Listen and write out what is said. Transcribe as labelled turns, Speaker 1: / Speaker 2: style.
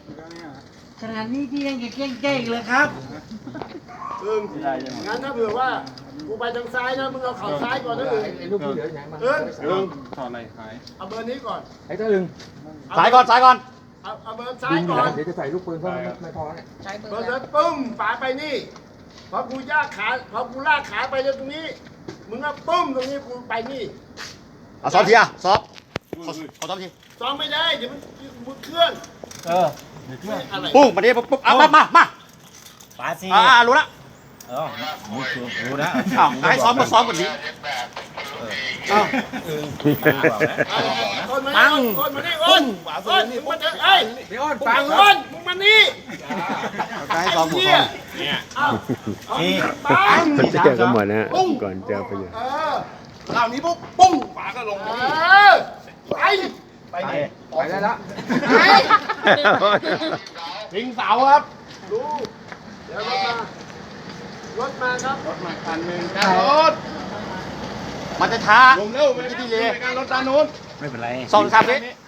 Speaker 1: ขนาดนี้พี่ยังจะเก่งเก่งเลยครับ
Speaker 2: งั้นถ้าเผื่อว่ากูไปทางซ้ายนะมึงเอาเข่าซ้ายก่อนนะ
Speaker 3: ลูกที่เหลือไหนมัน
Speaker 4: ถอดอะไรหาย
Speaker 2: เอาเบอร์นี้ก่อน
Speaker 3: ไอ้ตัวอึง
Speaker 5: สายก่อนสายก่อน
Speaker 2: เอาเบอร์ซ้ายก่อน
Speaker 3: เดี๋ยวจะใส่ลูกปืนเพราะมันไม่พอเนี่ย
Speaker 2: เบอร์นั้นปุ้มฝาไปนี่พอกูย่าขาพอกูลากขาไปตรงนี้มึงก็ปุ้มตรงนี้กูไปนี่
Speaker 5: เอาซ้อมทีอ่ะซ้อมขอซ้อมที
Speaker 2: ซ้อมไม่ได้เดี๋ยวมึงเคลื่อน
Speaker 3: เดี๋ยวเครื่อง
Speaker 2: อะไร
Speaker 5: ปุ้งมาดิปุ๊บเอามา
Speaker 1: ปาซี
Speaker 5: รู้ละ
Speaker 1: รู้นะ
Speaker 5: ให้ซ้อมมาซ้อมก่อนนี้
Speaker 2: ต้นมานี่ต้นมานี่อ้นอ้นมึงมาเถอะเอ้ย
Speaker 3: เดี๋ยวอ้อนฟัง
Speaker 2: อ้นมึงมานี่
Speaker 5: ให้ซ้อมหมด
Speaker 2: เนี่ยเอ้าปัง
Speaker 6: มันจะเจอกันหมดนะก่อนจะไปอยู่
Speaker 2: คราวนี้ปุ๊บปุ้งฝาก็ลงไป
Speaker 3: ไปได้ละ
Speaker 2: พิงเสาครับดูเดี๋ยวรถมาครับรถมาคันหนึ่งรถ
Speaker 5: มันจะช้า
Speaker 2: ลงเร็วไปที่ดีเลยการรถด้านนู้น
Speaker 1: ไม่เป็นไร
Speaker 5: 2-3 วิ